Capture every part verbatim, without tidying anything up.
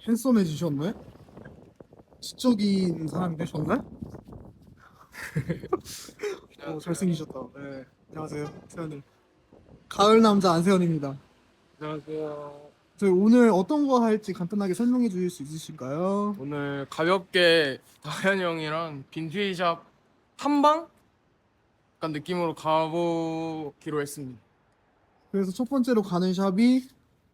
핸섬해지셨네? 지적인 사람이 되셨네? 어, 잘생기셨다. 네. 안녕하세요. 세현님. 가을 남자 안세현입니다. 안녕하세요. 저희 오늘 어떤 거 할지 간단하게 설명해 주실 수 있으실까요? 오늘 가볍게 다현이 형이랑 빈티지샵 탐방? 약간 느낌으로 가보기로 했습니다. 그래서 첫 번째로 가는 샵이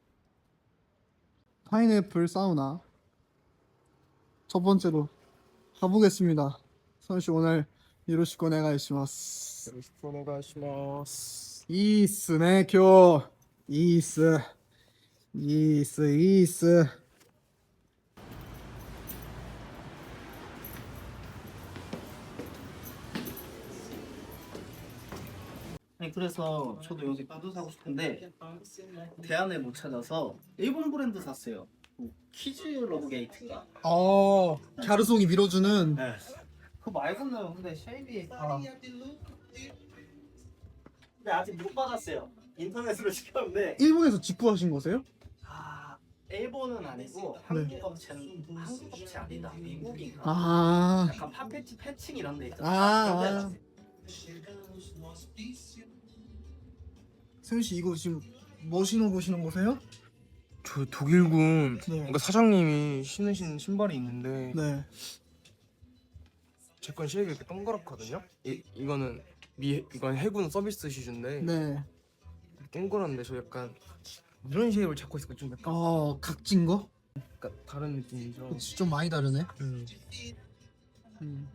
파인애플 사우나. 첫 번째로 가보겠습니다. 선씨 오늘 요로시코 오네가이시마스. 요로시쿠 오네가이시마스. いいっすね、今日。いいっす。いいっす、いいっす。 아니 그래서 저도 요새 구두 사고 싶은데 대안을 못 찾아서 일본 브랜드 샀어요. 뭐 키즈 러브 게이트인가? 어, 갸르송이 밀어주는. 네. 그거 말고는 근데 쉐이비 아. 근데 아직 못 받았어요. 인터넷으로 시켰는데 일본에서 직구하신 거세요? 아 일본은 아니고 한국 업체는 한국 업체 아니다 미국인가? 아, 약간 팝패치 패칭 이런 데 아, 있잖아. 아. 세훈 씨 이거 지금 뭐 신어 보시는 거세요? 저 독일군 네. 그러니까 사장님이 신으신 신발이 있는데 네. 제 건 쉐입이 이렇게 동그랗거든요. 이, 이거는 미 이건 해군 서비스 슈즈인데 네. 동그란데 저 약간 이런 쉐입을 찾고 있으니까 좀 약간, 어, 각진 거? 약간 다른 느낌이죠. 그치, 좀 많이 다르네. 음. 음.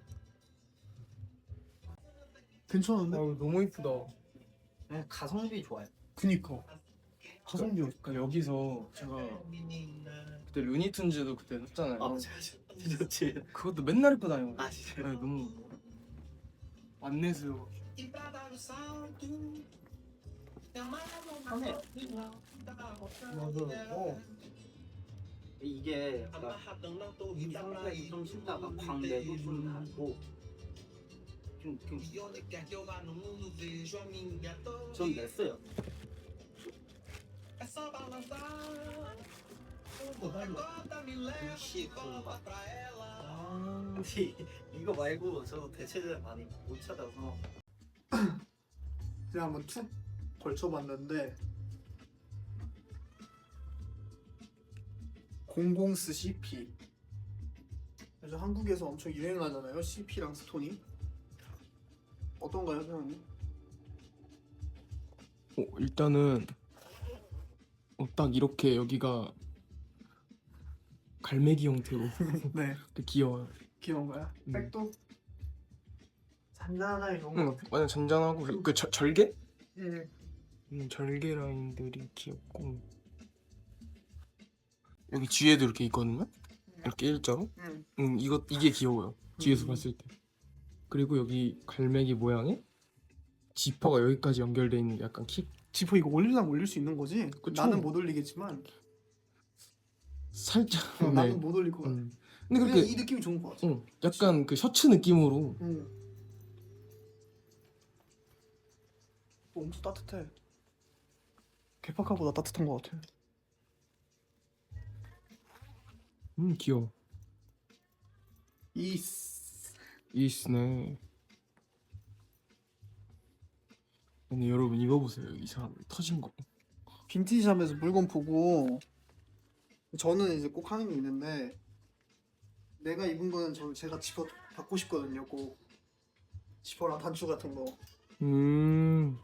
괜찮은데? 아우 너무 이쁘다. 네, 가성비 좋아요. 그니까. 가성비 그러니까 여기서 제가 그때 루니툰즈도 그때 했잖아요. 아 좋지. 그것도 맨날 입고 다니고. 아 진짜. 네, 너무 안내서 하네. 어. 이게 막 이상하게 좀 신다가 광대도 좀 나고 좀, 좀, 좀 냈어요. 아, 근데 이거 말고 저 대체제를 많이 못 찾아서 그냥 한번 툭 걸쳐봤는데 공공스 씨피. 그래서 한국에서 엄청 유행하잖아요, 씨피랑 스톤이. 어떤가요, 사장님? 어, 일단은 어, 딱 이렇게 여기가 갈매기 형태로 네, 되게 귀여워요. 귀여운 거야. 음. 백도 잔잔하게 좋은 응, 것 같아. 완전 잔잔하고 그, 그 절- 절개? 예. 음, 절개 라인들이 귀엽고 여기 뒤에도 이렇게 있거든요. 이렇게 일자로. 응. 음, 이거 이게 귀여워요. 뒤에서 음. 봤을 때. 그리고 여기 갈매기 모양의 지퍼가 여기까지 연결돼 있는 게 약간 킥 지퍼 이거 올리려면 올릴 수 있는 거지? 그쵸. 나는 못 올리겠지만 살짝. 어, 네. 나는 못 올릴 것 같아. 음. 근데 그냥 그렇게 이 느낌이 좋은 것 같아. 응, 약간 그 셔츠 느낌으로. 응. 어, 엄청 따뜻해. 개파카보다 따뜻한 것 같아. 음, 귀여워. 이스. 이스네. 근데 여러분 이거 보세요. 이 사람 터진 거. 빈티지샵에서 물건 보고 저는 이제 꼭 하는 게 있는데 내가 입은 거는 저 제가 지퍼 받고 싶거든요. 꼭 지퍼랑 단추 같은 거. 음.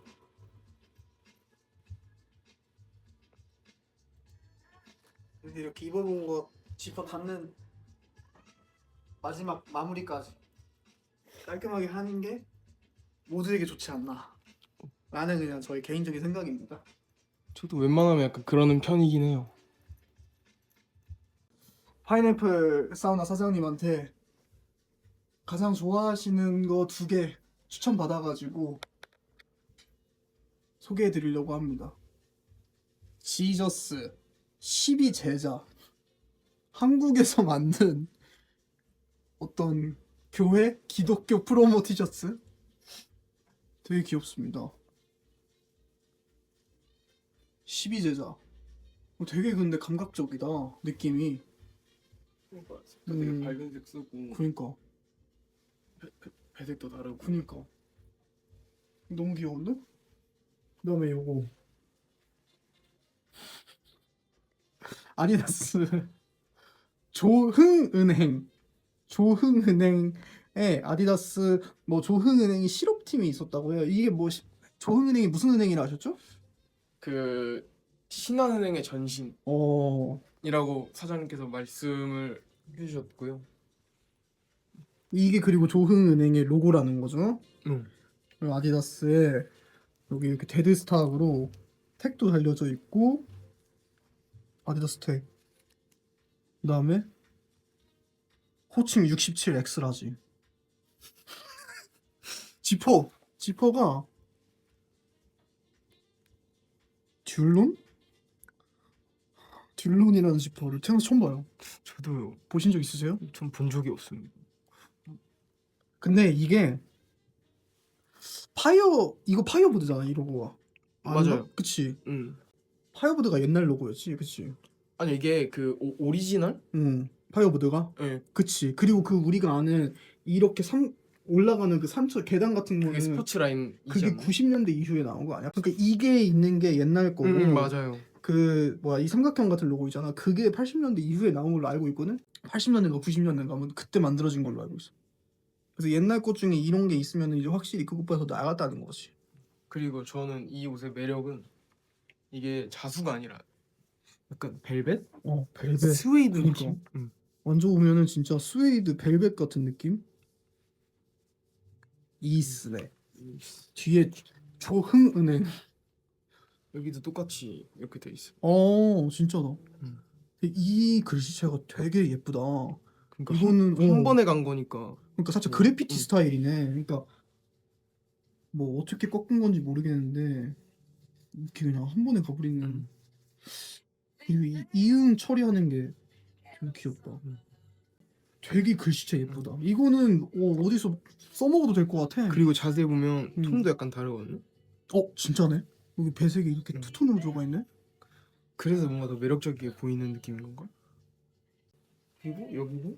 이렇게 이렇게 입어본 거 지퍼 닫는 마지막 마무리까지 깔끔하게 하는 게 모두에게 좋지 않나 라는 그냥 저의 개인적인 생각입니다. 저도 웬만하면 약간 그러는 편이긴 해요. 파인애플 사우나 사장님한테 가장 좋아하시는 거 두 개 추천 받아가지고 소개해 드리려고 합니다. 지저스 십이 제자. 한국에서 만든 어떤 교회 기독교 프로모 티셔츠 되게 귀엽습니다. 십이 제자. 어, 되게 근데 감각적이다 느낌이. 되게 음. 밝은색 쓰고 그니까 배색도 다르고. 그니까 너무 귀여운데? 그다음에 요거 아디다스 조흥은행 조흥은행에 아디다스 뭐 조흥은행이 실업팀이 있었다고 해요. 이게 뭐 시- 조흥은행이 무슨 은행이라 하셨죠? 그 신한은행의 전신이라고 어 사장님께서 말씀을 해주셨고요. 이게 그리고 조흥은행의 로고라는 거죠. 응. 그리고 아디다스에 여기 이렇게 데드스탁으로 택도 달려져 있고 아디다스 택. 그다음에 호칭 육십칠 엑스라지. 지퍼 지퍼가 듀론? 듀론이라는 지퍼를 태어나서 처음 봐요. 저도 보신 적 있으세요? 전 본 적이 없습니다. 근데 이게 파이어 이거 파이어보드잖아 이 로고가. 아닌가? 맞아요. 그치. 응. 파이어보드가 옛날 로고였지, 그치. 아니 이게 그 오, 오리지널? 응. 파이어보드가. 예. 그치. 그리고 그 우리가 아는 이렇게 산 올라가는 그 산처 계단 같은 그게 거는 스포츠 라인. 그게 구십 년대 이후에 나온 거 아니야? 그러니까 이게 있는 게 옛날 거고 응, 맞아요. 그 뭐야 이 삼각형 같은 로고 있잖아. 그게 팔십 년대 이후에 나온 걸로 알고 있거든. 팔십 년대인가 구십 년대인가 뭐 그때 만들어진 걸로 알고 있어. 그래서 옛날 것 중에 이런 게 있으면 이제 확실히 그것보다 더 나갔다는 거지. 그리고 저는 이 옷의 매력은 이게 자수가 아니라 약간 벨벳? 어, 벨벳. 스웨이드 그러니까. 느낌? 응. 만져보면은 진짜 스웨이드 벨벳 같은 느낌? 이스네. 뒤에 조흥은행. 여기도 똑같이 이렇게 돼 있어. 어, 진짜다. 음. 이 글씨체가 되게 예쁘다. 그러니까 이거는 한, 한 어, 번에 간 거니까. 그러니까 살짝 음, 그래피티 음. 스타일이네. 그러니까 뭐 어떻게 꺾은 건지 모르겠는데 이렇게 그냥 한 번에 가버리는. 음. 그리고 이 이응 처리하는 게 되게 귀엽다. 음. 되게 글씨체 예쁘다. 이거는 어, 어디서 써먹어도 될 것 같아. 그리고 자세히 보면 음. 톤도 약간 다르거든요. 어, 진짜네? 여기 배색이 이렇게 음. 투톤으로 들어가 있네? 그래서 뭔가 더 매력적이게 보이는 느낌인 건가? 그리고 여기도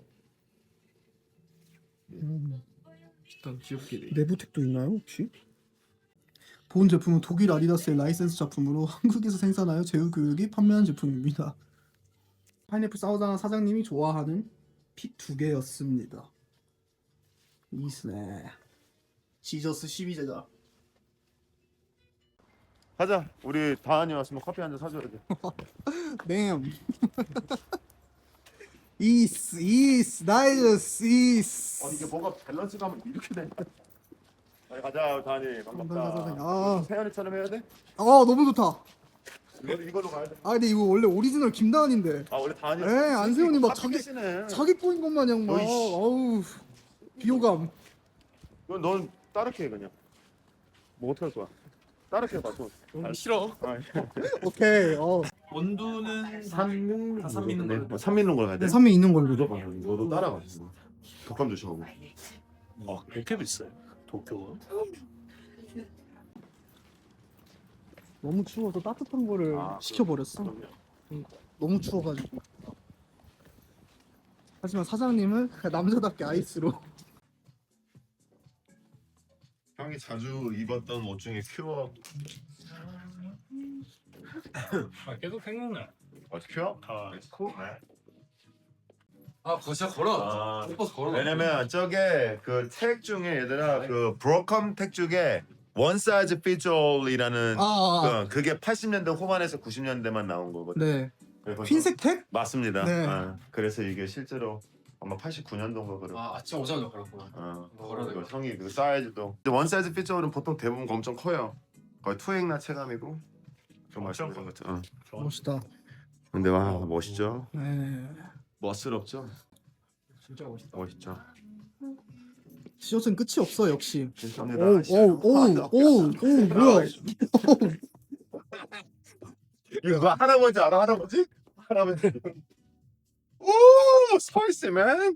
음. 일단 귀엽게 돼. 내부 택도 있나요 혹시? 본 제품은 독일 아디다스의 라이센스 작품으로 한국에서 생산하여 제휴교육이 판매한 제품입니다. 파인애플 사우자나 사장님이 좋아하는 픽 두 개였습니다. 이스네. 지저스 십이 제자. 가자. 우리 다한이 왔으면 커피 한 잔 사줘야 돼. 뱀. 이스 이스 나이스 이스. 어 이게 뭐가 밸런스가 하면 이렇게 돼. 빨리 가자 다한이. 반갑다. 아, 세연이처럼 해야 돼? 아 너무 좋다. 이거 이걸로 가야 돼. 아 근데 이거 원래 오리지널 김다한인데 아 원래 다한이. 에, 안세훈이 막 자기- 자기. 자기 꼬인 것 마냥 막 어이씨. 어우 비호감. 넌, 넌 따르게 해 그냥. 뭐 어떻게 할 거야? 따르게 해봐 좀. 너무 싫어. 아, 오케이. 어. 원두는 삼 삼 믿는 걸로. 네. 삼 믿는 걸 가야 돼. 삼에 있는 걸로. 무조건 너도 따라가. 독감 조심하고. 아 그렇게 비싸요? 도쿄가? 너무 추워서 따뜻한 거를 아, 시켜버렸어. 그럼요. 너무 추워가지고. 하지만 사장님은 그냥 남자답게 아이스로. 형이 자주 입었던 옷 중에 큐어. 아 계속 생각나. 어 큐어? 아, 아, 그거 진짜 걸어. 아. 못 봐서 걸어. 왜냐면 저게 그 택 중에 얘들아 그 브로컴 택 중에 원 사이즈 피트 올이라는 아, 아, 그, 그게 팔십 년대 후반에서 구십 년대만 나온 거거든. 네. 그래서 흰색 택? 맞습니다. 네. 아, 그래서 이게 실제로 아마 팔십구 년도인가 그래. 아, 아침 오자마자 걸었구나. 어, 걸어 그리고 형이 그 사이즈도 근데 원 사이즈 피트 올은 보통 대부분 엄청 커요. 거의 투행나 체감이고 좀 말씀드린 것 같아. 어. 멋있다. 근데 와 멋있죠. 네. 멋스럽죠. 진짜 멋있다. 멋있죠. 시어는 끝이 없어 역시. 감사합니다. 오오오오오 뭐야? 이거 누가 할아버지 알아 할아버지? 할아버지. 오 스파이스맨.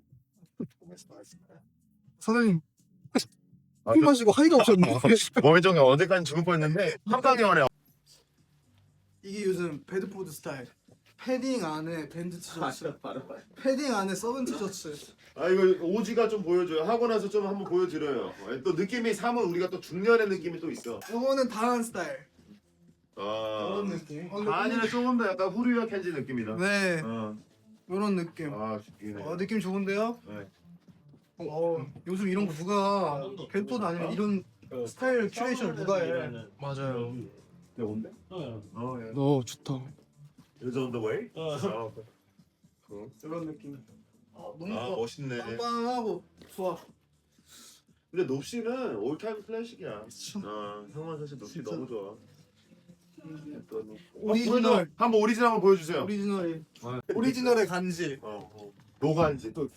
사장님 아, 술 마시고 하이가 오셨네. 몸이 좀 언제까지 죽을 뻔했는데 한 방에 오네. 이게 요즘 배드포드 스타일. 패딩 안에 밴드 티셔츠, 바로 봐요. 패딩 안에 썩은 티셔츠. 아 이거 오지가 좀 보여줘요. 하고 나서 좀 한번 보여드려요. 어, 또 느낌이 삼은 우리가 또 중년의 느낌이 또 있어. 이거는 다한 스타일. 아 이런 느낌. 어, 아니는 조금 더 약간 후루야 켄지 느낌이다. 네, 어. 이런 느낌. 아 죽이네. 어, 느낌 좋은데요? 네. 어, 요즘 이런 거 누가 밴드도 아니면 이런 스타일 큐레이션을 누가 해? 맞아요. 네 온대? 어. 예. 너 좋다. Is on the way? 어. 어. 이런 느낌. 어, 너무 아 좋아. 멋있네. 빵빵하고 좋아. 근데 놉시는 올타임 클래식이야. 어, 형은 사실 놉시 진짜. 너무 좋아. 또 뭐- 오리지널. 어, 보여줘. 한번 오리지널 한번 보여주세요. 오리지널이 오리지널의 간지. 어, 어. 노간지 또.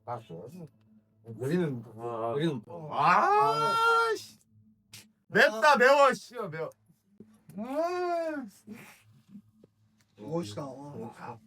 우리는 아, 우리는 아, 씨. 맵다 매워 씨 매워. 아. 멋있다. 어.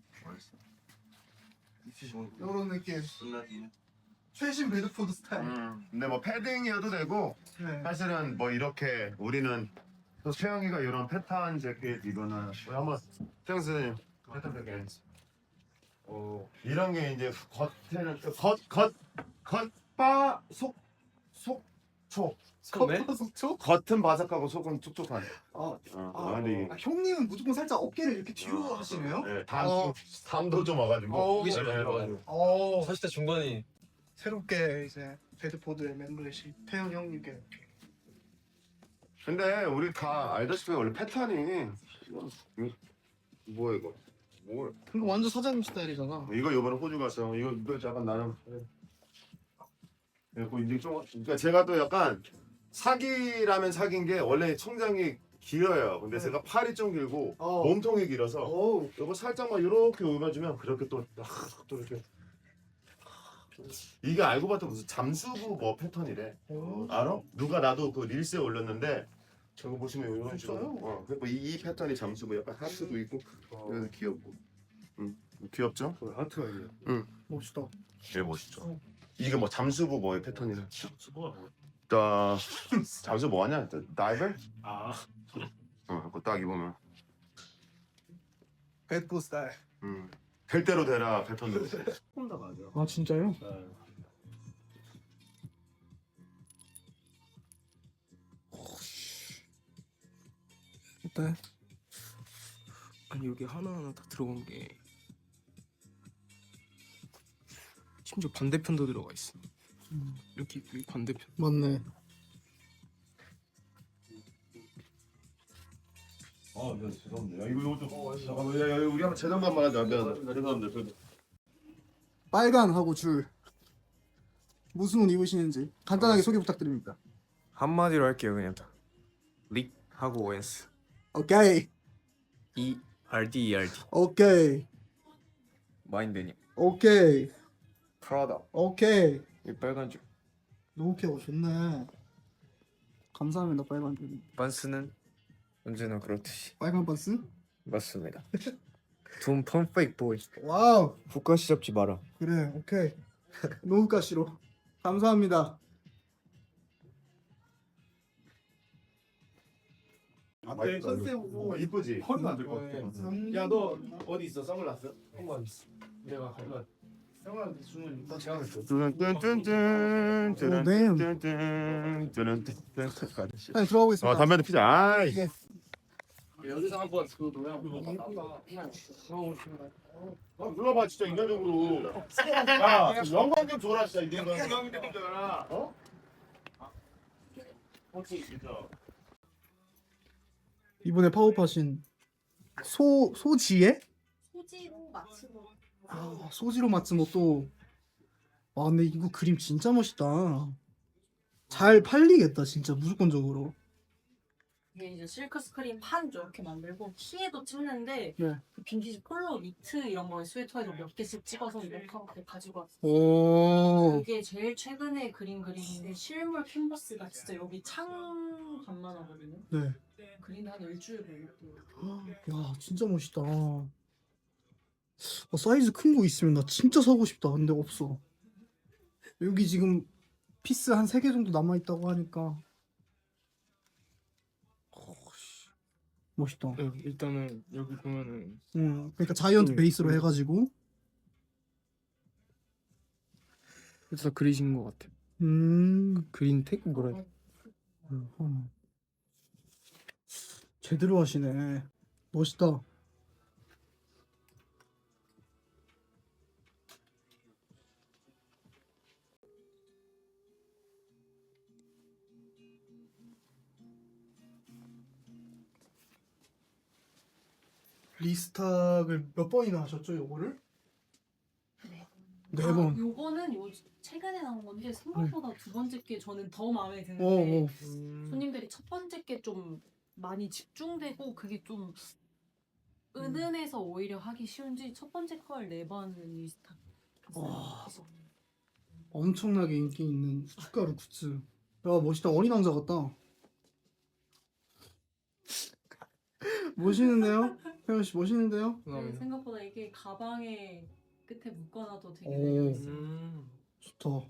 이런 느낌. 최신 베드포드 스타일. 음, 근데 뭐 패딩이어도 되고 네. 사실은 뭐 이렇게 우리는 또 최영이가 이런 패턴 재킷 이거는 우리 한번 최영 선생님 패턴 재킷 어, 이런 게 이제 겉에는 겉겉 겉바 속 속촉 선배? 속초? 겉은 바삭하고 속은 촉촉한. 아, 어, 아, 근데 아, 형님은 무조건 살짝 어깨를 이렇게 뒤로 이- 하시네요? 네, 담 어. 담도 좀 와가지고. 어. 네, 네, 네. 어, 사실 때 중간이 새롭게 이제 베드포드의 멤버이신 태현 형님께 근데 우리 다 알다시피 원래 패턴이 이거 뭐야 이거 뭘 이거 완전 사장님 스타일이잖아. 이거 이번에 호주 갔어. 이거 이거 약간 나는 그리고 이제 좀 그러니까 제가 또 약간 사기라면 사기인 게 원래 총장이 길어요. 근데 네. 제가 팔이 좀 길고 어. 몸통이 길어서 오, 이거 살짝만 이렇게 올려주면 그렇게 또 또 이렇게 이게 알고 봤더니 무슨 잠수부 뭐 패턴이래. 오. 알아? 누가 나도 그 릴스에 올렸는데 저거 보시면 이런 식으로 진짜요? 어, 그리고 이, 이 패턴이 잠수부 약간 하트도 있고 그래서 귀엽고 응 귀엽죠? 하트가 있네. 응 멋있다. 제일 멋있죠. 이게 뭐 잠수부 뭐의 패턴이래. 자 잠수 뭐 하냐? 다이버? 아, 어 그거 딱 입으면 베드포드 스타일. 음. 될 대로 되라 패턴으로. 조금 더 맞아. 아 진짜요? 어때? 아니 여기 하나하나 다 들어간 게 심지어 반대편도 들어가 있어. 이렇게 여기 반대편. 맞네. 아, 네, 죄송합니다. 야, 이거 이거 좀 잠깐만, 야, 야, 우리 한번 재정반만 하자. 미안하다. 죄송합니다. 빨간하고 줄. 무슨 옷 입으시는지 간단하게 소개 부탁드립니다. 한마디로 할게요 그냥. 릭 하고 오엔스. 오케이, E R D E R D. 오케이, 마인드니. 오케이, 프라다. 오케이. 이 빨간 줄. 오케이, 어, 좋네. 감사합니다, 빨간 줄. 반스는 언제나 그렇듯이 빨간 반스? 맞습니다. 돈 펌페이크 보이. 와우. 국가시 잡지 마라. 그래, 오케이. 노후가시로. 감사합니다. 앞에 컨셉 보고 이쁘지? 허리가 안 될 것 같아. 야 너 어디 있어 선글라스? 한번 있어. 내가 가져가. 선글라스 주문 너 제가 했어. 뚠뚠뚠 뚠뚠뚠 뚠뚠뚠 네, 들어가 보겠습니다. 아 담배도 피자. 아이. 여기서 한번 그 노래 아, 눌러봐 진짜 인간적으로. 야 영광 좀 줘라 진짜 인간. 영광 좀 줘라. 어? 혹시 진짜. 이번에 파업하신 소 소지에 소지로 맞추고 아, 소지로 맞춘 옷도 와 근데 이거 그림 진짜 멋있다. 잘 팔리겠다 진짜 무조건적으로. 이게 이제 실크 스크린 판죠 이렇게 만들고 티에도 찍는데 네. 그 빈티지 폴로 니트 이런 거에 스웨터에도 몇 개씩 찍어서 이렇게 하고 가지고 왔어요. 오. 이게 제일 최근에 그린 그림인데 실물 캔버스가 진짜 여기 창 반만 하거든요. 네. 그린 한 일주일 걸렸대요. 야 진짜 멋있다. 어, 사이즈 큰 거 있으면 나 진짜 사고 싶다. 근데 없어. 여기 지금 피스 한 세 개 정도 남아 있다고 하니까. 어, 씨. 멋있다. 네, 일단은 여기 보면은 음, 그러니까 자이언트 음, 베이스로 음. 해가지고. 다 그리신 것 같아요. 음, 그린텍 뭐라 해야 돼? 음. 제대로 하시네. 멋있다. 리스탁을 몇 번이나 하셨죠, 요거를? 네 아, 번. 요거는 요 최근에 나온 건데 생각보다 두 번째 게 저는 더 마음에 어, 드는데 어. 음, 손님들이 첫 번째 게 좀 많이 집중되고 그게 좀 은은해서 오히려 하기 쉬운지 첫 번째 걸 네 번 리스탁 와. 했어요. 엄청나게 인기 있는 후춧가루 굿즈. 야, 멋있다. 어린 왕자 같다. 멋있는데요? 태연 씨 멋있는데요? 네, 감사합니다. 생각보다 이게 가방에 끝에 묶어놔도 되게 오. 매력 있어요. 음, 좋다.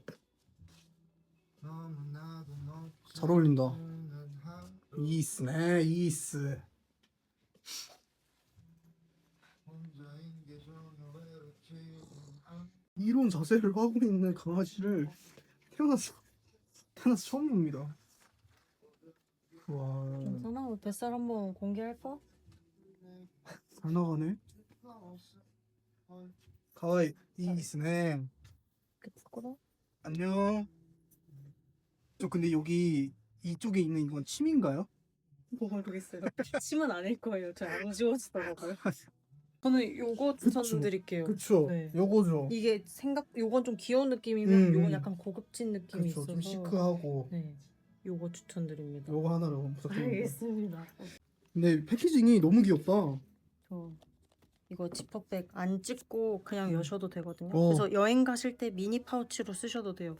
잘 어울린다. 이스네, 이스. 이런 자세를 하고 있는 강아지를 태어나서 태어나서 처음 봅니다. 와, 괜찮아? 뱃살 한번 공개할까? 잘 나가네. 가와이 이스네. 부끄러워? 안녕. 저 근데 여기 이쪽에 있는 이건 침인가요? 모르겠어요. 침은 아닐 거예요. 저 안 지워지더라고요. 저는 요거 그쵸. 추천드릴게요. 그쵸. 네. 요거죠. 이게 생각 요건 좀 귀여운 느낌이면 음, 요건 음. 약간 고급진 느낌이 그쵸. 있어서 좀 시크하고. 네. 요거 추천드립니다. 요거 하나로 부탁드립니다. 알겠습니다. 근데 패키징이 너무 귀엽다. 저 이거 지퍼백 안 찢고 그냥 여셔도 되거든요. 어. 그래서 여행 가실 때 미니 파우치로 쓰셔도 돼요.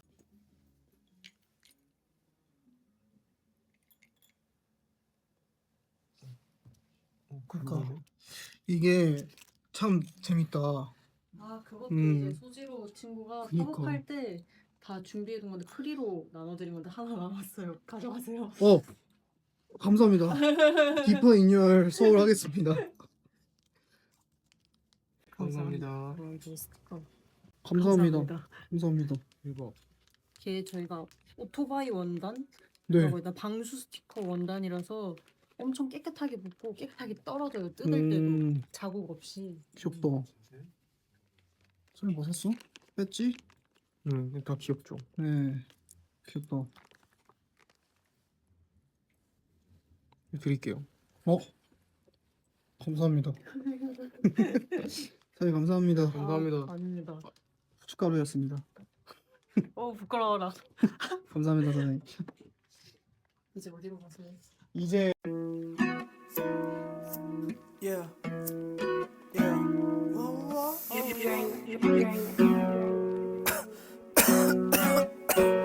그러니까 이게 참 재밌다. 아 그것도 음. 이제 소지로 친구가 그니까. 팝업할 때 다 준비해둔 건데 프리로 나눠드린 건데 하나 남았어요. 가져가세요. 어, 감사합니다. 디퍼 인열 서울 하겠습니다. 감사합니다. 감사합니다. 스티커. 감사합니다. 감사합니다. 대박. 이게 저희가 오토바이 원단 네. 라고 일단 방수 스티커 원단이라서 엄청 깨끗하게 붙고 깨끗하게 떨어져요. 뜯을 때도 음, 자국 없이. 귀엽다. 선생님 뭐 샀어? 뺐지? 음, 다 귀엽죠. 네. 귀엽다. 드릴게요. 어? 감사합니다. 선생님 감사합니다. 감사합니다. 아, 아닙니다. 후춧가루였습니다. 어 부끄러워라. 감사합니다, 선생님. 이제 어디로 가세요? 이제 Yeah. Yeah. Whoa, whoa, whoa.